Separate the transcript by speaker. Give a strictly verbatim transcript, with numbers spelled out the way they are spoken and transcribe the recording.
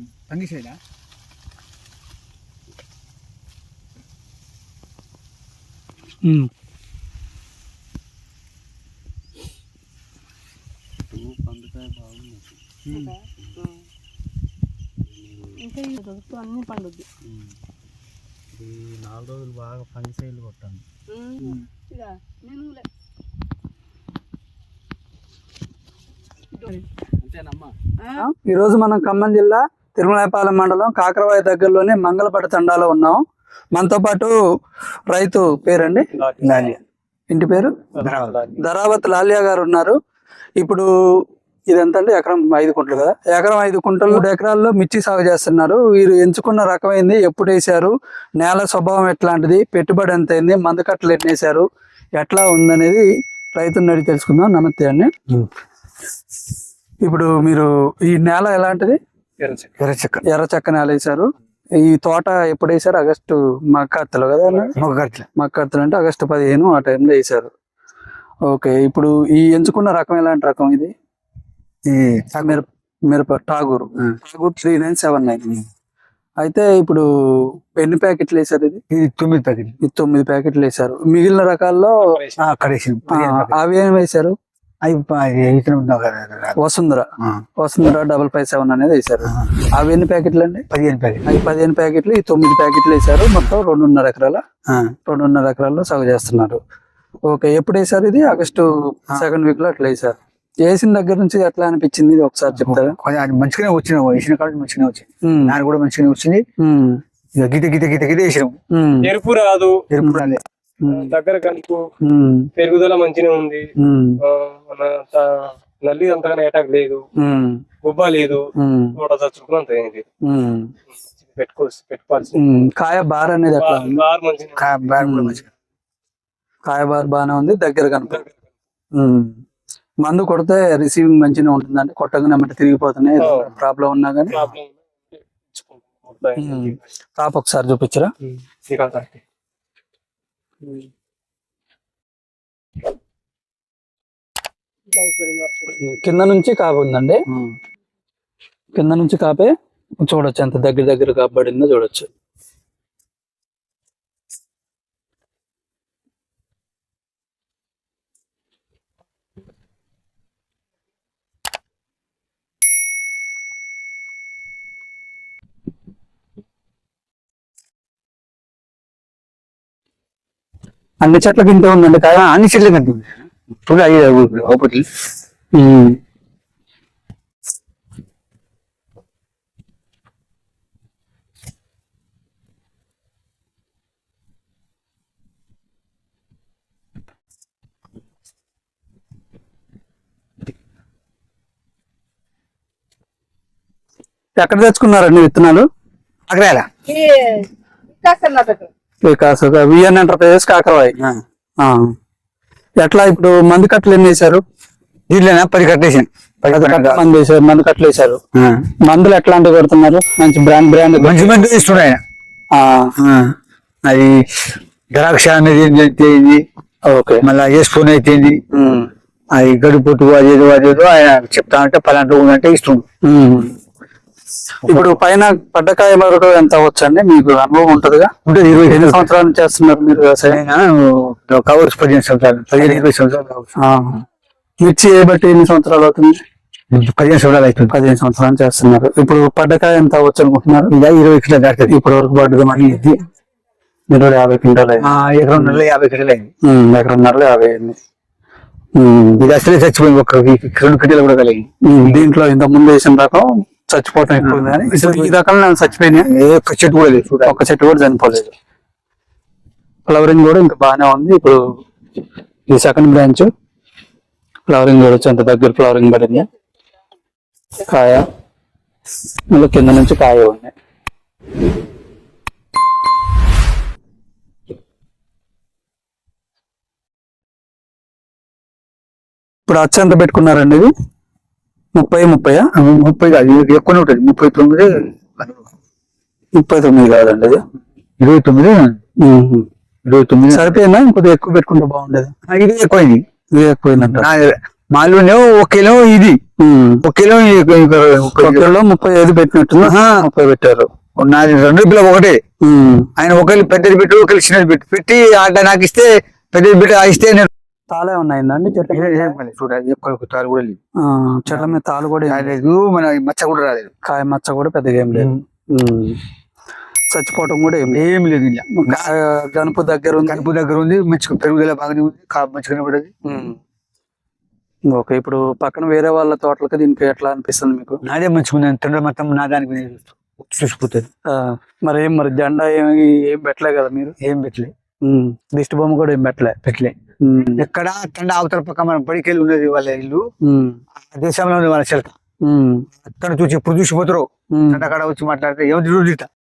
Speaker 1: ఫంగిసైడా
Speaker 2: పండుకాయ బాగుంది
Speaker 3: ఇంకా అన్ని పండుద్ది.
Speaker 2: ఈ నాలుగు రోజులు బాగా ఫంగిసైడ్లు కొట్టాను.
Speaker 1: ఈరోజు మనం ఖమ్మం జిల్లా తిరుమలాయపాలెం మండలం కాకరవాయి దగ్గరలోని మంగళపట తండాలో ఉన్నాం. మనతో పాటు రైతు పేరండి లాలియా, ఇంటి పేరు ధరావత్ లాలియా గారు ఉన్నారు. ఇప్పుడు ఇదంతా అంటే ఎకరం ఐదు కుంటలు కదా, ఎకరం ఐదు కుంటలు మూడు ఎకరాల్లో మిర్చి సాగు చేస్తున్నారు. వీరు ఎంచుకున్న రకమైంది, ఎప్పుడు వేసారు, నేల స్వభావం ఎట్లాంటిది, పెట్టుబడి ఎంత అయింది, మందుకట్టలు ఎన్ని వేసారు, ఎట్లా ఉందనేది రైతుని అడిగి తెలుసుకుందాం. నమస్తే అండి. ఇప్పుడు మీరు ఈ నేల ఎలాంటిది?
Speaker 2: ఎర్రచెక్క
Speaker 1: ఎర్రచెక్క నేల వేసారు. ఈ తోట ఎప్పుడు వేసారు? ఆగస్టు మక్కర్తలు కదా,
Speaker 2: మొగ్గర్తలు
Speaker 1: మక్కర్తలు అంటే ఆగస్టు పదిహేను ఆ టైంలో వేసారు. ఓకే, ఇప్పుడు ఈ ఎంచుకున్న రకం ఎలాంటి రకం ఇది?
Speaker 2: ఈ
Speaker 1: మిరప మిరప Tagore Tagore three nine seven nine. అయితే ఇప్పుడు ఎన్ని ప్యాకెట్లు వేసారు? ఇది
Speaker 2: ఇది తొమ్మిది ప్యాకెట్లు.
Speaker 1: ఇది తొమ్మిది ప్యాకెట్లు వేసారు. మిగిలిన రకాల్లో అవి ఏమి వేసారు? Vasundhara Vasundhara double five seven అనేది వేసారు. అవి ఎన్ని ప్యాకెట్లు అండి?
Speaker 2: పదిహేను ప్యాకెట్లు.
Speaker 1: అవి పదిహేను ప్యాకెట్లు, ఈ తొమ్మిది ప్యాకెట్లు వేసారు. మొత్తం రెండున్నర ఎకరాల రెండున్నర ఎకరాల్లో సాగు చేస్తున్నారు. ఓకే, ఎప్పుడు వేసారు ఇది? ఆగస్టు సెకండ్ వీక్ లో అట్లా వేసారు. వేసిన దగ్గర నుంచి ఎట్లా అనిపించింది ఇది ఒకసారి చెప్తారా?
Speaker 2: మంచిగానే వచ్చిన వేసిన కాదు, మంచిగానే వచ్చింది. నాన్న కూడా మంచిగానే వచ్చింది. గీత గీత గీత గీత వేసినాం.
Speaker 4: ఎరుపు రాదు,
Speaker 2: ఎరుపు రాలే,
Speaker 4: దగ్గర కనుక పెరుగుదల మంచిగా ఉంది. నల్లి అంతగానే అటాక్ లేదు, గుబ్బ లేదు, తోట చచ్చుకుని అంత పెట్టుకోవచ్చు పెట్టుకోవాల్సి.
Speaker 1: కాయ బార్ అనేది ఎట్లా?
Speaker 4: బార్ మంచిగా,
Speaker 2: బార్ కూడా మంచిగా,
Speaker 1: కాయ బార్ బాగానే ఉంది. దగ్గర కనుక మందు కొడితే రిసీవింగ్ మంచిగా ఉంటుంది. అంటే కొట్టగానే అమ్మట తిరిగిపోతున్నాయి, ప్రాబ్లం ఉన్నా కానీ. టాప్ ఒకసారి చూపించరా? కింద నుంచి కాపు ఉందండి, కింద నుంచి కాపే చూడొచ్చు, ఎంత దగ్గర దగ్గర కాబడిందో చూడొచ్చు. అన్ని చెట్లకి ఇంతే ఉందండి కాయ?
Speaker 2: అన్ని చెట్లకి అంతే చూడ ఒకటి.
Speaker 1: ఎక్కడ తెచ్చుకున్నారండి విత్తనాలు?
Speaker 2: అక్కడ
Speaker 1: వికాస్ విఎన్ ఎంటర్ప్రైజెస్ కాకరవాయి. ఎట్లా ఇప్పుడు మందు కట్టలు ఎన్ని వేసారు?
Speaker 2: దీంట్లోనా పది కట్టేసాను.
Speaker 1: మంది వేసారు, మందు కట్టలు వేసారు. మందులు ఎట్లాంటివి కొడుతున్నారు? మంచి బ్రాండ్ బ్రాండ్
Speaker 2: మంచి మంది ఇస్తున్నాయి. అది ద్రాక్ష అనేది ఏంటి,
Speaker 1: ఓకే,
Speaker 2: మళ్ళా వేసుకొని అయితే అది గడిపోటు అదేదో అదేదో ఆయన చెప్తా అంటే పలాంటి ఉందంటే ఇస్తుంది.
Speaker 1: ఇప్పుడు పైన పడ్డకాయ వరకు ఎంత అవచ్చండి? మీకు అనుభవం ఉంటదిగా?
Speaker 2: ఉంటుంది. ఇరవై
Speaker 1: ఎన్ని సంవత్సరాల నుంచి చేస్తున్నారు మీరు వ్యవసాయం?
Speaker 2: కవర్స్ పదిహేను సంవత్సరాలు పదిహేను ఇరవై సంవత్సరాలు.
Speaker 1: మిర్చి ఏ బట్టి ఎన్ని సంవత్సరాలు అవుతుంది?
Speaker 2: పదిహేను సంవత్సరాలు అవుతుంది.
Speaker 1: పదిహేను సంవత్సరాలు చేస్తున్నారు. ఇప్పుడు పడ్డకాయ ఎంత అవ్వచ్చు అనుకుంటున్నారు?
Speaker 2: ఇలా ఇరవై కింటాలు దాటుతుంది.
Speaker 1: ఇప్పటి వరకు పడ్డది మరి ఇరవై యాభై క్వింటాలు
Speaker 2: ఎకరంన్నరలో యాభై కింటాలు అయింది.
Speaker 1: ఎకరంన్నరలో యాభై అయింది.
Speaker 2: ఇది అసలే చచ్చిపోయింది, ఒక రెండు కింటాలు కూడా కలిగింది.
Speaker 1: దీంట్లో ఇంత ముందు వేసిన రకం చచ్చిపోవటం ఎక్కువ ఉంది కానీ ఈ రకాలు నేను చచ్చిపోయినాయి.
Speaker 2: ఒక్క చెట్టు కూడా లేదు,
Speaker 1: ఒక్క చెట్టు కూడా చనిపోలేదు. ఫ్లవరింగ్ కూడా ఇంకా బాగానే ఉంది. ఇప్పుడు ఈ సెకండ్ బ్రాంచ్ ఫ్లవరింగ్ చూడొచ్చు, అంత దగ్గర ఫ్లవరింగ్ పడింది. కాయ మళ్ళీ కింద నుంచి కాయ ఉంది. ఇప్పుడు అచ్చ ఎంత పెట్టుకున్నారండి? ఇది ముప్పై ముప్పై
Speaker 2: ముప్పై కాదు, ఎక్కువనే ఉంటుంది. ముప్పై తొమ్మిది
Speaker 1: ముప్పై తొమ్మిది కాదండి, అది
Speaker 2: ఇరవై తొమ్మిది ఇరవై తొమ్మిది
Speaker 1: సరిపోయిందా? ఇంకొద్దిగా ఎక్కువ పెట్టుకుంటే బాగుండేది.
Speaker 2: ఇది ఎక్కువైంది.
Speaker 1: ఇది ఎక్కువైందంట.
Speaker 2: మాలోనే ఒకేలో ఇది
Speaker 1: ఉమ్.
Speaker 2: ఒకేలో
Speaker 1: ఒక్కరిలో ముప్పై ఐదు పెట్టినట్టుంది ముప్పై పెట్టారు.
Speaker 2: నాది రెండు పిల్లలు ఒకటే.
Speaker 1: ఉమ్.
Speaker 2: ఆయన ఒకళ్ళు పెద్దది పెట్టు ఒకళ్ళు చిన్నది పెట్టు పెట్టి ఆట నాకు ఇస్తే పెద్దది పెట్టి ఆ ఇస్తే నేను
Speaker 1: తాళే ఉన్నాయిందండి చెట్ల మీద?
Speaker 2: చూడాలి ఒక్క తాడు కూడా లేదు.
Speaker 1: ఆ, చెట్ల మీద తాళ్ళు కూడా ఏం లేదు.
Speaker 2: రాలేదు, మన మచ్చ కూడా రాలేదు.
Speaker 1: కాయ మచ్చ కూడా పెద్దగా ఏం లేదు. ఉమ్. చచ్చిపోవటం కూడా ఏం లేదు.
Speaker 2: ఏం లేదు ఇలా.
Speaker 1: కాయ గనుపు దగ్గర ఉంది.
Speaker 2: కనుపు దగ్గర ఉంది, మంచిగా పెరుగుదల బాగానే ఉంది, కాపు మంచిగానే పడది.
Speaker 1: ఉమ్. ఓకే, ఇప్పుడు పక్కన వేరే వాళ్ళ తోటలకి దీనికి ఎట్లా అనిపిస్తుంది మీకు?
Speaker 2: నాదే మంచిగా ఉంది, తండ్రి మొత్తం నా దానికి నేను చూస్తూ చూసిపోతుంది.
Speaker 1: ఆ, మరి ఏం మరి జెండా ఏమి ఏం పెట్టలే కదా మీరు?
Speaker 2: ఏం పెట్టలే,
Speaker 1: ఉమ్. దిష్టి బొమ్మ కూడా ఏం పెట్టలే.
Speaker 2: పెట్టలే.
Speaker 1: ఉమ్.
Speaker 2: ఎక్కడ తండ అవతల పక్క మన బడికెళ్ళి ఉన్నది వాళ్ళ ఇల్లు,
Speaker 1: ఉమ్.
Speaker 2: ఆ దేశంలో ఉంది వాళ్ళ చిలక.
Speaker 1: ఉమ్.
Speaker 2: అక్కడ చూసి ఎప్పుడు చూసిపోతారో
Speaker 1: ఉమ్.
Speaker 2: అక్కడ వచ్చి మాట్లాడితే ఏమో తిరుగుతా